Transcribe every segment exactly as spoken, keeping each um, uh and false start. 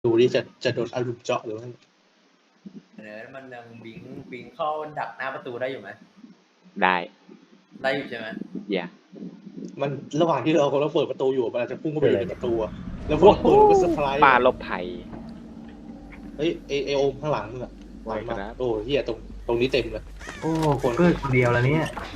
ดูดิจะจะโดนอารุมเจาะหรือว่าเนื้อมันยังบิงบิงเข้าดักหน้าประตูได้อยู่ไหมได้ได้อยู่ใช่ไหมอย่ามันระหว่างที่เรากำลังเปิดประตูอยู่มันอาจจะพุ่งเข้าไปอยู่ในประตูอะแล้วพอเปิดมันก็เซอร์ไพรส์ปลาลบภัยเฮ้ยเอเอโอมข้างหลังมึงอะหลังมาครับโอ้เฮียตรงตรงนี้เต็มเลยโอ้คนเกิดคนเดียวแล้วเนี่ย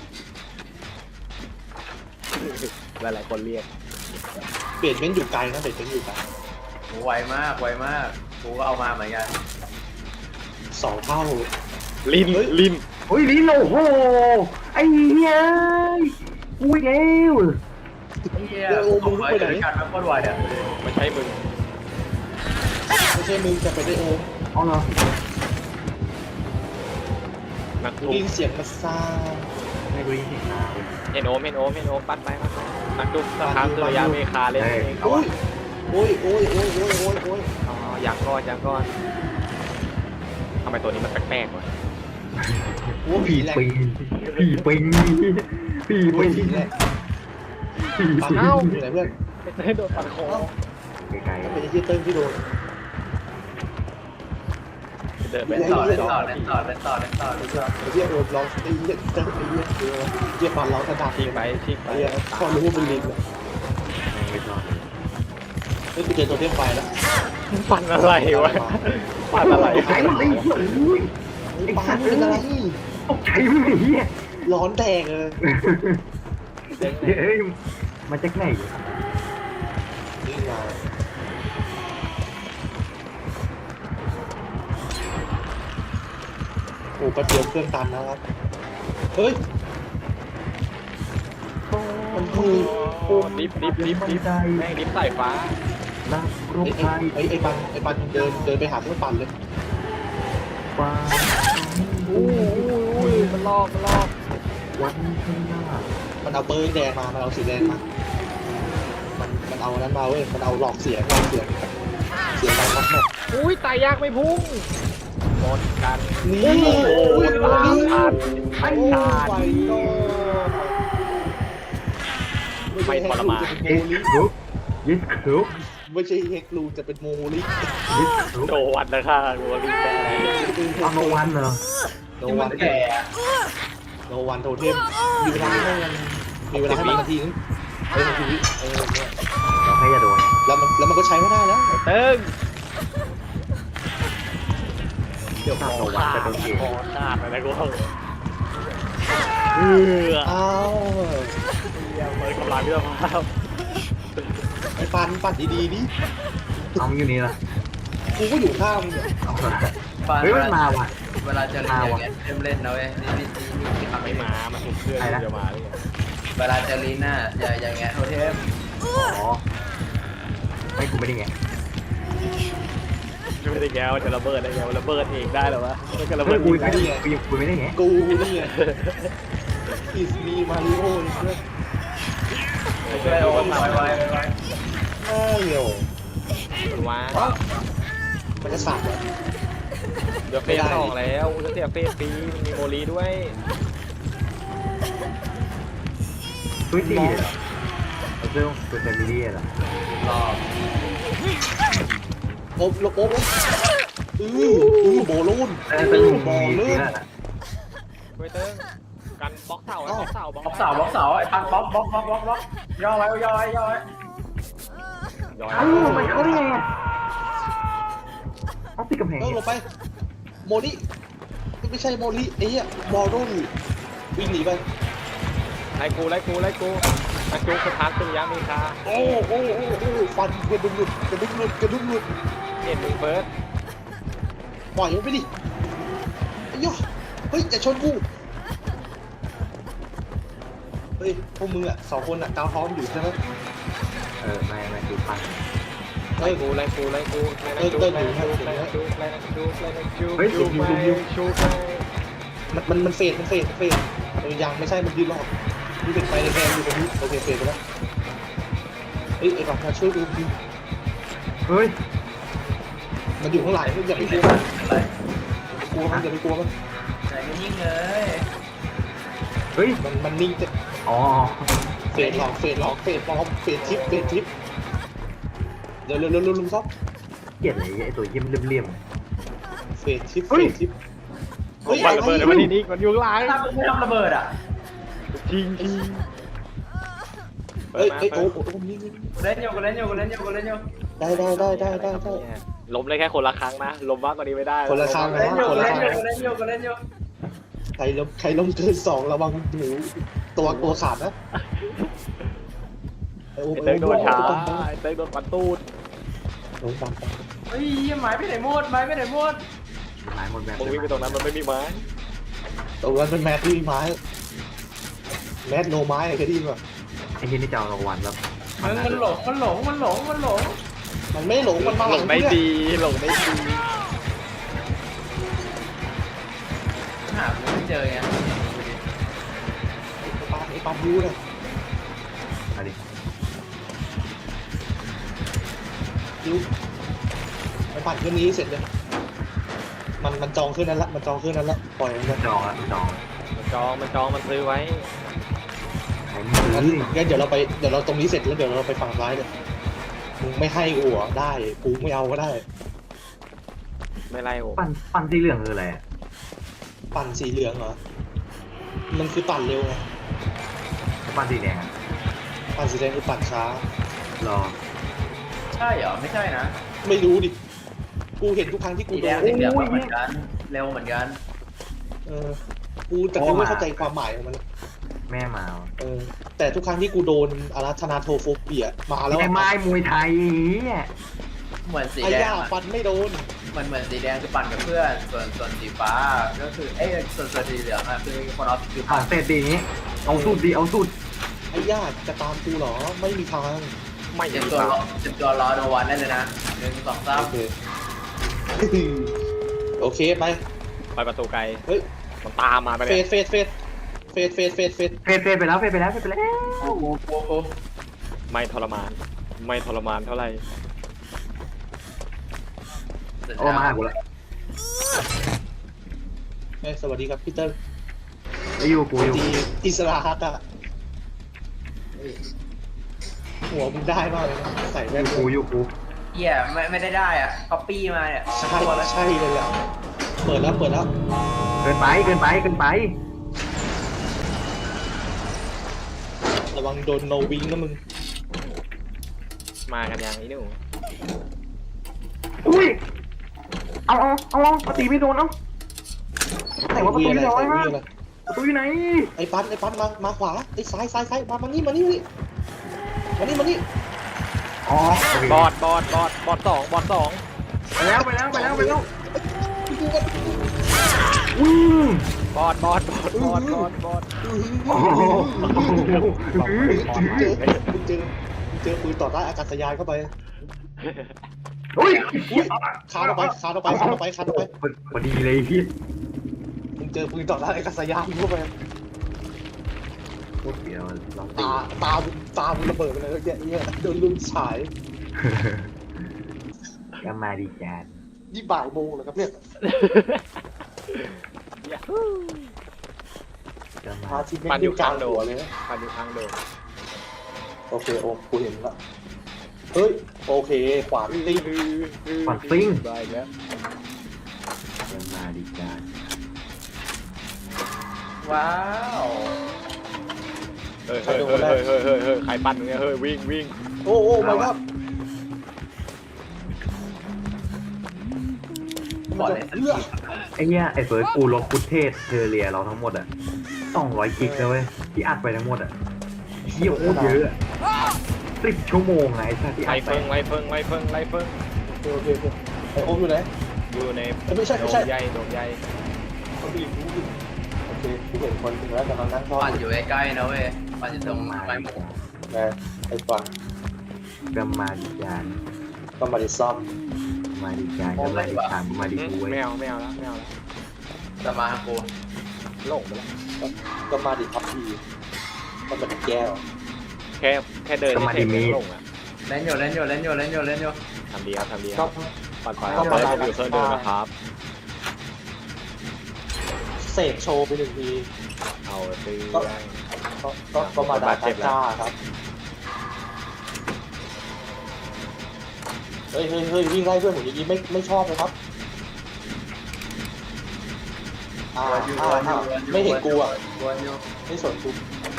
หลายๆคนเรียกเปลี่ยนเป็นอยู่ไกลนะเปลี่ยนเป็นอยู่ไกลโหไวมากไวมากกูก็เอามาเหมือนกันสองเท่าลินลินโอ้ยลิโลโอ้ไอ้เหี้ยอุ้ยเร็วไอ้เหี้ยกูไปด้วยกันมันโคตรไวอ่ะไม่ใช่มึงไม่ใช่มึงจะไปได้โอมอ๋อเหรอนักได้ทุบยินเสียงมาซ่าไม่กูได้ยินเสียงนาเว้ยเอ็นโอมเอ็นโอมเอ็นโอมปัดไปปัดไปนักทุบสถานสุริยะเมคาเล่นเองโอ้ยโอ้ยโอ้ยโอ้ยโอ้ยโอ้ยโอ้ยอ๋อยังก้อนยังก้อนทำไมตัวนี้มันแปลกๆวะโอ้ยผีแหลกปิงผีปิงผีโอ้ปิยงผีแหลกผีปันปิงเอ้าอยู่ไหนเพื่อนไม่ได้โดนปัดคอไกลก็เป็นไอ้ที่เติ้ลที่โดนเดินไปเล่นต่อเล่นต่อเล่นต่อเล่นต่อเล่นต่อเล่นต่อไอ้ที่โอมร้องไอ้เหี้ยเติ้ลไอ้เหี้ยเออเหี้ยปันร้องกระดาษทิ้งไปทิ้งไปไอ้เหี้ยพอรู้ว่าเป็นลิงเลยๆไม่รอดเฮ้ยกูเจอตัวเทียมไฟแล้วปันอะไรวะปันอะไรไอ้มันไอ้เหี้ยอุ้ยไอ้ปันเป็นอะไรตกใจมึงไอ้เหี้ยร้อนแดงเลยเฮ้ยมาจากไหนนี่มาโอ้กระเทียมเครื่องตันนะครับเฮ้ยมันคือโอ้ดิฟดิฟดิฟดิฟแม่งดิฟสายฟ้านักรบไอ้ไทยไอ้ไอ้ปันไอ้ปันเดินเดินไปหาเครื่องปั่นเลยฟ้าอู้อู้มันลอกมันลอกวันข้างหน้ามันเอาเบอร์แดงมามันเอาสีแดงมามันมันเอานั้นมาเว้ยมันเอาหลอกเสียงหลอกเสียงเสียงดังมากอุ้ยตายยากไม่พุ่งหมดกันนี่โอ้โหโอ้ยตามทันไอ้ไม่ไฟทันโดไม่ทรมานเอ็กซ์ครุกยิสครุกไม่ใช่เฮกลูจะเป็นโมลิยิสครุกโดวันนะค่ะรัวรีบแต่เอามาวันเหรอโนที่มัวันนแก่อะโนวันโทเทมมีเวลาให้มันมีเวลาให้มันนาทีนึงเออนาทีเออเนี่ยเราให้อย่าโดนแล้วมันแล้วมันก็ใช้ไม่ได้แล้วเติ้งเดี๋ยวข้าวโดนวันจะโดนเองคอขาดอะไรกูเอออ้าวเยี่ยมเลยกำลังเรื่องภาพไอ้ปันปันดีๆดิเอาอยู่นี่ละกูก็อยู่ข้างมึงเนี่ยเอาปานเฮ้ยมันมาว่ะเวลาจะเล่นอย่างเงี้ยเล่นเล่นนะเว้ยนี่นี่นี่นี่ทำไม่ไม่มามามาถูกเครื่องจะมาเลยเวลาจะลิ้นน่ะอย่าอย่างเงี้ยโทเทมอ๋อไม่กูไม่ได้ไงไม่ได้แก้วจะระเบิดได้แก้วระเบิดเองได้หรอวะมันก็ระเบิเฮ้ยดกูเองไม่ได้ได้ไงกูยังกูไม่ได้ไงกูนี่ไงอิสมีมาริโอเนี่ยช่วยโอ้ไวไวไวเอ้ยโยมันว้ามันจะสับเหรอเดี๋ยวเฟสสองแล้วจะเสียเฟสปีมันมีโมลีด้วยตุ้ยตีเลยเหรอเอาเรื่องตัวแฟมิลี่เหรอรอบโอ๊บลบโอ๊บอืออือโบลูนแต่เป็นโบมีลูตีนแล้วเว้ยเติ้งกันบล็อกเสาบล็อกเสาบล็อกเสาบล็อกเสาไอ้พังบล็อกบล็อกบล็อกบล็อกบล็อกย่อไว้ย่อไว้ย่อไว้ย้อยเอ้ามันเข้าได้ไงอ่ะเอาติดกำแพงเออลงไปโมลิไม่ใช่โมลิไอ้เหี้ยบอลลูนวิ่งหนีไปไล่กูไล่กูไล่กูมาจูสถานสุริยะเมคาโอ้โอ้โอ้โอ้ฟันกระดุมหลุดกระดุมหลุดกระดุมหลุดเห็นมึงเฟิร์สปล่อยมันไปดิไอ้ย่อเฮ้ยอย่าชนกูเฮ้ยพวกมึงอ่ะสองคนอ่ะกาวพร้อมอยู่ใช่ไหมเออไม่ไม่ดูพันเฮ้ไล่ยกูไล่กูไล่กูไล่นักจูไล่นักจูไล่นักจูไล่นักจูไล่นักจูจูไปจูไปมันมันมันเฟดมันเฟดมันเฟดเออยังไม่ใช่มันยืนรอมีเป็นไฟแดงๆอยู่ตรงนี้โอเคเฟดไปแล้วเฮ้ยไอ้บักมาช่วยดูดิเฮ้ยมันอยู่ข้างหลังอย่าไปไม่กเป็ลันวไรมันอย่าไปกลัวมันใจมันยิ่งเลยเฮ้ยมันมันนิ่งจะอ๋อเฟดหลอกเฟดหลอกเฟดปลอมเฟดทิปเฟดทิปเร็วเร็วเร็วเร็วลุงซอกลียดเลยไอ้ตัวเยี่ยมเลี่ยมเฟสชิปเฟสชิปโอ้ยมันระเบิดมันนี่นี่มันอยู่ข้างหลังถ้าไม่ทำระเบิดอ่ะจริงจริงเฮ้ยเฮ้ยโอ้โหนี่นี่กูเล่นอยู่กูเล่นอยู่กูเล่นอยู่กูเล่นอยู่ได้ได้ได้ได้ได้ได้ล้มได้แค่คนละครั้งนะล้มมากกว่านี้ไม่ได้คนละครั้งกูเล่นอยู่กูเล่นอยู่กูเล่นอยู่กูเล่นอยู่ใครล้มใครล้มเกินสองระวังหนูตัวตัวขาดนะไอ้เต้ยโดนช้าไอ้เต้ยโดนปันตูดโดนปังปังเฮ้ยไม้ไปไหนหมดไม้ไปไหนหมดหลายหมดแบบมึงวิ่งไปตรงนั้นมันไม่มีไม้ตรงนั้นเป็นแมทที่ไม้แมทโนไม้เคยได้ยินป่ะไอ้ที่นี่จะเอารางวัลแล้วมันมันหลงมันหลงมันหลงมันหลงมันไม่หลงมันมาหหลลังงได้ดีหลงได้ดีหาไม่เจอไงปาไอ้ปาบูเลยมาดิยูมันปั่นเครื่องนี้เสร็จเลยมันมันจองเครื่องนั้นละมันจองเครื่องนั้นละปล่อยมันไปจองละจองมันจองมันจองมันซื้อไว้ไอ้งั้นมืองั้นเดี๋ยวเราไปเดี๋ยวเราตรงนี้เสร็จแล้วเดี๋ยวเราไปฝั่งซ้ายเลยมึงไม่ให้กูเหรอได้กูไม่เอาก็ได้ไม่ไล่โอ้ปั่นปั่นสีเหลืองคืออะไรอะปั่นสีเหลืองเหรอมันคือปั่นเร็วไงปั่นสีแดงอะปั่นสีแดงคือปั่นช้ารอใช่เหรอไม่ใช่นะไม่รู้ดิกูเห็นทุกครั้งที่กูสีโดแดงนสีเหลืองเหมือนกันเร็วเหมือนกันเออกูแต่กูไม่เข้าใจความหมายของมันแม่มาเออแต่ทุกครั้งที่กูโดนอาราธนาโทโฟเปียมาแล้วไอ้ไม้มวยไทยเนี่ยเหมือนสีไอ้แดงย่าอะฟันไม่โดนเหมือนเหมือนสีแดงคือปั่นกับเพื่อนส่วนส่วนสีฟ้าก็คือเอ้ยส่วนส่วนสีเหลืองอะคือคนเอาคือผ่าปั่นนเสร็จดีนี้เอาสุดดีเอาสุดไอ้ย่าจะตามกูเหรอไม่มีทางไม่เจ็บมีตัวทางรอเจ็บตัวรอโนวันได้เลยนะหนึ่งสองสามโอเค โอเคไปไปประตูไกลเฮ้ยมันตามมาไปเฟเลยดเฟดเฟดเฟดเฟดเฟดเฟดเฟดเฟดไปแล้วเฟดไปแล้วเฟดไปแล้วโอ้โหโอ้โหไม่ทรมาน ไม่ทรมานเท่าไหร่เสร็จโอ้แล้วมาหากูแล้วเฮ้ยสวัสดีครับพีเตอร์ไอ้อยู่กูอยู่ดีอิสระฮักอะหัวมึงได้มากเลยนะใส่แว่นกูอยู่กูเหี้ยไม่ไม่ได้ได้อ่ะก๊อปปี้มาเนี่ยใช่ใช่เลยแหละเปิดแล้วเปิดแล้วเกินไปเกินไปเกินไประวังโดนโนวิงนะมึงมากันยังอีหนูอุ้ยเอาเอาเอาเอาปตีไม่โดนเอาไหนว่าประตูวีอยู่อะไรไหนใส่วีวะอะไรประตูอยู่ไหนไอ้ปันไอ้ปันมามาขวาไอ้ซ้ายซ้ายซ้ายมามานี่มานี่มานี่มานี่มานี่อ๋อโอเคบอดบอดบอดบอดสองบอดสองไปแล้วไปแล้วไปแล้วไปแล้วกูก็อืมบอดบอดบอดบอดบอดบอดโอ้โหมึงเจอมึงเจอมึงเจอปืนต่อต้านอากาศยานเข้าไปอุ้ยอุ้ยคานออกไปคานออกไปคานออกไปคานออกไปพอดีเลยพี่มึงเจอปืนต่อต้านอากาศยานเข้าไปเดี๋ยวลองตีตาตาตามึงระเบิดไปเลยเนี่ยเนี่ยโดนลุมฉายก็มาดีจานนี่บ่ายโมงแล้วครับเนี่ยก็มาพาทิตย์ไม่ได้กลางหัวเลยนะปันอยู่ข้างโดมโอเคโอ้กูเห็นละเฮ้ยโอเคขวาตีฝันซิงได้แล้วก็มาดีจานว้าวเฮ้ยเฮ้ยเฮ้ยเฮ้ยเฮ้ยเฮ้ยเฮ้ยใครปั่นเนี่ยเฮ้ยวิ่งวิ่งโอ้โอ้ไม่ครับบอดเลยเลือดไอ้เนี้ยไอ้เฟิร์สกูลบฟุตเทจเทเรียเราทั้งหมดอ่ะสองร้อยกิกเลยเว้ยที่อัดไปทั้งหมดอ่ะเยี่ยโคตรเยอะสิบชั่วโมงไงไอ้สัสที่ไล่อัดไปเฟิงไล่เฟิงไล่เฟิงไล่เฟิงโอเคโอเคไอโอมอยู่ไหนอยู่ในไม่ใช่โดไม่มใช่ใหญ่โดมใหญ่คนผู้หญิงผู้หญิงโอเคกูเห็นคนถึงแล้วกำลังนั่งทอดปั่นอยู่ใกล้ๆนะเว้ยปั่นอยู่ตก็รงมาไม้ดีหมูจานนะไอ้ฟังก็มาดีจานก็มาดิซ่อมมาดีจานก็มาดีจานมาดีกูเว้ยไม่เอาไม่เอาแล้วไม่เอาแล้วจะมาหากูหลงไปแล้วก็มาดิทับทีก็มาดิแก้วแค่แค่เดินเฉยๆหลงอ่ะเล่นอยู่เล่นอยู่เล่นอยู่เล่นอยู่เล่นอยู่ทำดีครับทำดีคก็รับปัดไฟเอาไปผมอยู่เพื่อนเดินนะครับเสกโชว์ไปหนึ่งทีเอาซื้อก็ก็ก็มาดาตาจ้าครับเเฮ้ยเฮ้ยเฮ้ยวิ่งไล่เพื่อนผมอย่างนี้ไม่ไม่ชอบเลยครับอ่าอ่าอ่าไม่เห็นกูอ่ะวนอยู่ไม่สนกู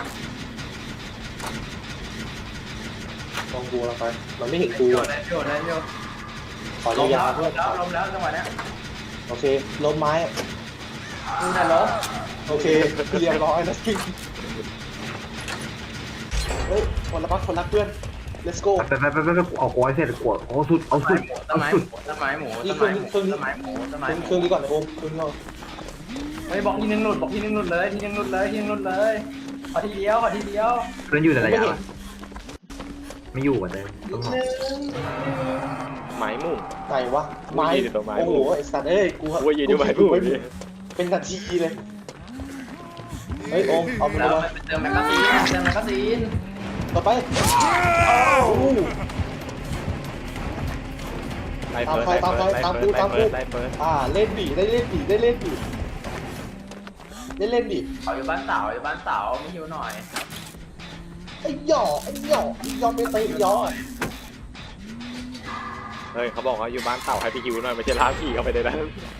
มองกูเราไปมันไม่เห็นกูโยอ่ะนแล้วโยนแล้วโยนขอลมยาแล้ววๆเพื่อนแล้วลมแล้วจังหวะเนี้ยโอเคล้มไม้อะกูน่ะล้มโอเคเรียบร้อยแล้วเฮ้ยคนละพักคนรักเพื่อน let's go ไปไปไปไปเอากอยเสร็จกดเอาสุดเอาสุดต้นเอาไม้สุดต้นไม้หมูต้นไม้หมูต้นไม้หมูต้นไม้หมูเครื่องนี้ก่อนนะโอมเครื่องนี้ก่อนเฮ้ยบอกทีนึงหลุดบอกทีนึงหลุดเลยทีนึงหลุดเลยทีนึงหลุดเลยขอทีเดียวขอทีเดียวเพื่อนอยู่แต่ระยะไม่อยู่อ่ะเต้ต้องรอหมายมุ่งไหนวะไม้กูยืนอยู่ตรงไม้โอ้โหไอ้สัตว์เอ้ยกูกูยืนอยู่ไม้มุ่งนี่เป็นนาทีเลยเฮ้ยโอมเอาไปแล้วเลยเติมแมกกาซีนเติมแมกกาซีนต่อไปโอ้โหไล่เฟิร์สไล่เฟิร์สไล่เฟิร์สไล่เฟิร์สไล่เฟิร์สอ่าเล่นบีได้เล่นบีได้เล่นบีได้เล่นบีเขาอยู่บ้านเสาอยู่บ้านเสาไม่หิวหน่อยไอ้หย่อไอ้หย่อไอ้หย่อไปเตะหย่อเฮ้ยเขาบอกว่าอยู่บ้านเต่าให้พี่คิวหน่อยไม่ใช่ล้างผีเข้าไปในนั้น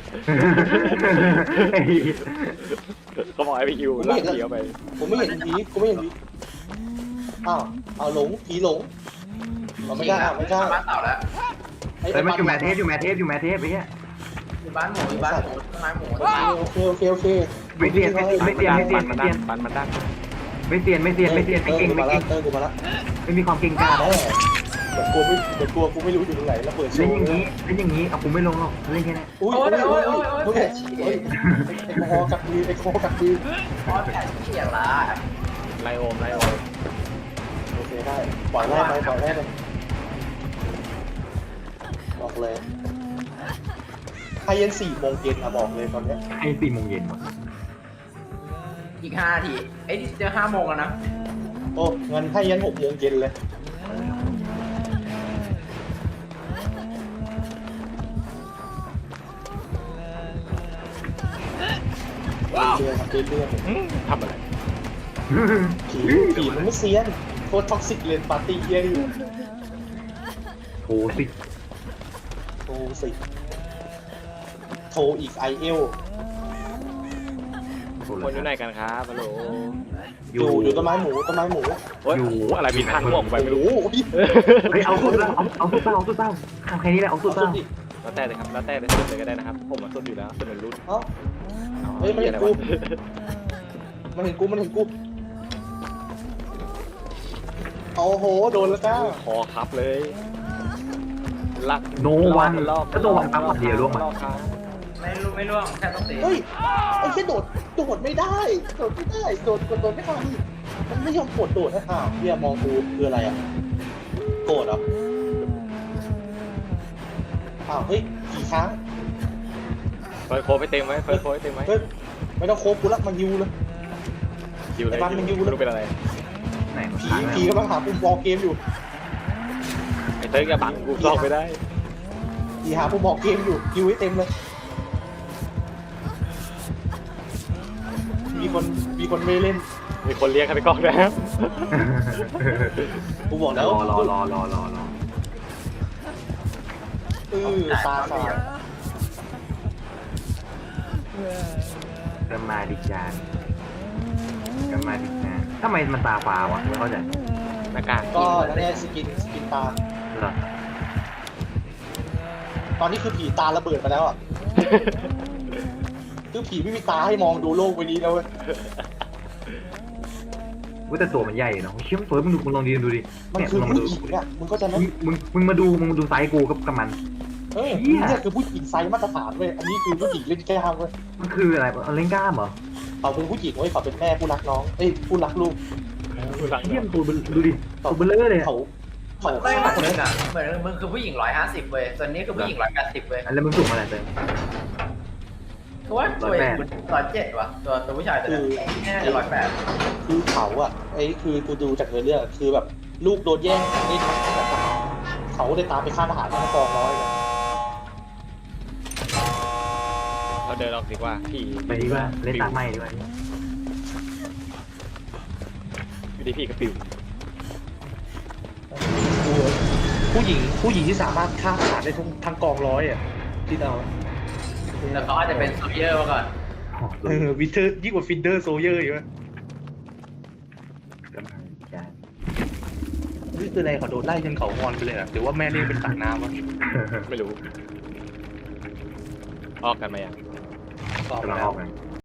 เขาบอกให้พี่คิวล้างผีเข้าไปผมไม่เห็นผีกูไม่เห็นผีอ้าวเอาหลงผีหลงเราไม่ได้ไม่ได้บ้านเสาแล้วไอ้เฮ้ยมันอยู่แมทเทสอยู่แมทเทสอยู่แมทเทสไปเนี้ยอยู่บ้านหมูอยู่บ้านหมูต้นไม้หมูต้นไม้หมูโอเคโอเคโอเคไม่เตียนไม่ไม่เตียนไม่เตียนมัไม่นเตีดัยนนมันมันดันไม่เตียนไม่เตียนไม่เตียนไม่เก่งกูไม่มาแล้เก่วงเตอร์กูมาแล้วไม่มีความเก่งกล้าแน่เดี๋ยวกลัวไม่เดี๋ยวกลัวกูไม่รู้อยู่ตรงไหนแล้วเปิดโชเล่นว์อย่างนี้เล่นอย่างนี้เอากูไม่ลงหรอกเล่นแค่นี้อุ้ยอุ้ยอุ้ยอุ้ยอุ้ยไอ้คอกับมือไอ้คอกับมือพอแผ่นเขียละไล่โอมไล่โอมโอเคได้ปล่อยแรกไปปล่อยแรกไปบอกเลยไฮเย็นสี่โมงเย็นอะบอกเลยตอนเนี้ยให้สี่โมงเย็นอีกห้าทีเอ้ยจะห้าโมงแล้วนะโอ้งั้นไฮเย็นหกโมงเย็นเลยเรื่อยๆครับเรื่อยทำอะไรๆผีผีมันไม่เซียนโคตรท็อกซิกเลยปาร์ตี้เยอะอยู่โทรสิโทรสิโทรอีกไอเอลโทรคนอยู่ไหนกันครับฮัลโหลอยู่อยู่ต้นไม้หมูต้นไม้หมูโอ้ยอะไรบินทางม่วงไปไม่รู้โอ้โหเฮ้ยเอาสุดแล้วเอาเอาสุดเต้าเอาสุดเต้าทำแค่นี้แหละเอาสุดเอาสุเต้าดดิแล้วแต่เลยครับแล้วแต่เลยสุดเลยก็ได้นะครับ ผมมาสุดอยู่แล้วสุดเป็นรุ่นเอ้า เฮ้ยไม่เห็นกู มันเห็นกูมันเห็นกูโอ้โหโดนแล้วจ้าคอคับเลยลักโนวันก็โนวันปั๊บวันเดียวร่วงมาไม่รู้ไม่ร่วงแค่ต้องตีเฮ้ยไอ้แค่โดดโดดไม่ได้โดดไม่ได้โดดโดดไม่ได้มันไม่ยอมกดโดดนะอ้าวเฮียมองกูคืออะไรอ่ะโกรธเหรออ้าวเฮ้ยกี่ครั้งเฟิร์สโค้ดไปเต็มไว้เฟิร์สโค้ดไปเต็มไว้เฮ้ยไม่ต้องโคบกูละมันยิวเลยยิวเลยยิวไม่รู้เป็นอะไรไหนผีผีกำลังหาปุ่มบอลเกมอยู่ไอ้เต้ยกับบังกูซ่อมไม่ได้ผีหาปุ่มบอลเกมอยู่ยิวให้เต็มเลยมีคนมีคนไม่เล่นมีคนเรียกให้ไปกล้องนะครับกูบอกรแล้วอรอรอรอรอรอเออตาสาดกันมาดิจานกันมาดิจานทำไมมันตาฟ้าวะไม่เข้าใจหน้ากากก็นั่นแหละสกินสกินตาเหรอตอนนี้คือผีตาระเบิดไปแล้วอ่ะ คือผีไม่มีตาให้มองดูโลกใบนี้แล้วเว้ยว่าแต่ตัวมันใหญ่เนาะเชี่ยมเฟิร์สมึงดูมึงลองดีดูดิมันเนี่ยคือมึงลองมาผู้ดูหญิงอ่ะมึงก็จะไหมมึงมึงมึงมาดูมึงมาดูไซส์กูกับกับมันเฮ้ยเหี้ยเนี่ยคือผู้หญิงไซส์มาตรฐานเว้ยอันนี้คือผู้หญิงเล่นแก้วเว้ยมันคืออะไรเอาเล่นกล้ามเหรอเขาเป็นผู้หญิงเว้ยเขาเป็นแม่ผู้รักน้องเอ้ยผู้รักลูกเชี่ยมตัวดูดิตัวเบลอเลยเขาเขาไม่ฆ่าเหมือนคนมึนั้งนอ่ะเหมือนมึงคือผู้หญิงร้อยห้าสิบเว้ยส่วนนี้คือผู้หญิงร้อยแปดสิบเว้ยแล้วมึงสูงเท่าไหร่เต้คือว่าตัวเองร้อยเจ็ดว่ะตัวตัวผู้ชายตัวนี้แน่ร้อยแปดคือเขาอ่ะไอ้คือกูดูจากเนื้อเรื่องคือแบบลูกโดนแย่งนี่เขาเลยตามไปฆ่าทหารที่กองร้อยเลยเราเดินออกดีกว่าพี่ไปดีกว่าเล่นตาไหมดีกว่าอยู่ดีพี่กับปิวกูผู้หญิงผู้หญิงที่สามารถฆ่าทหารได้ทั้งทั้งกองร้อยอ่ะที่เอาแล้วเขาอาจจะเป็นโซเยอร์มาก่อนเออวิเทอร์ยิ่งกว่าฟินเดอร์โซเยอร์อีกวะนี่คืออะไรเขาโดนไล่จนเขางอนไปเลยอ่ะหรือว่าแม่เลี้ยงเป็นปากน้ำวะไม่รู้ออกกันไหมอ่ะตอบกำลังแล้อวอกไง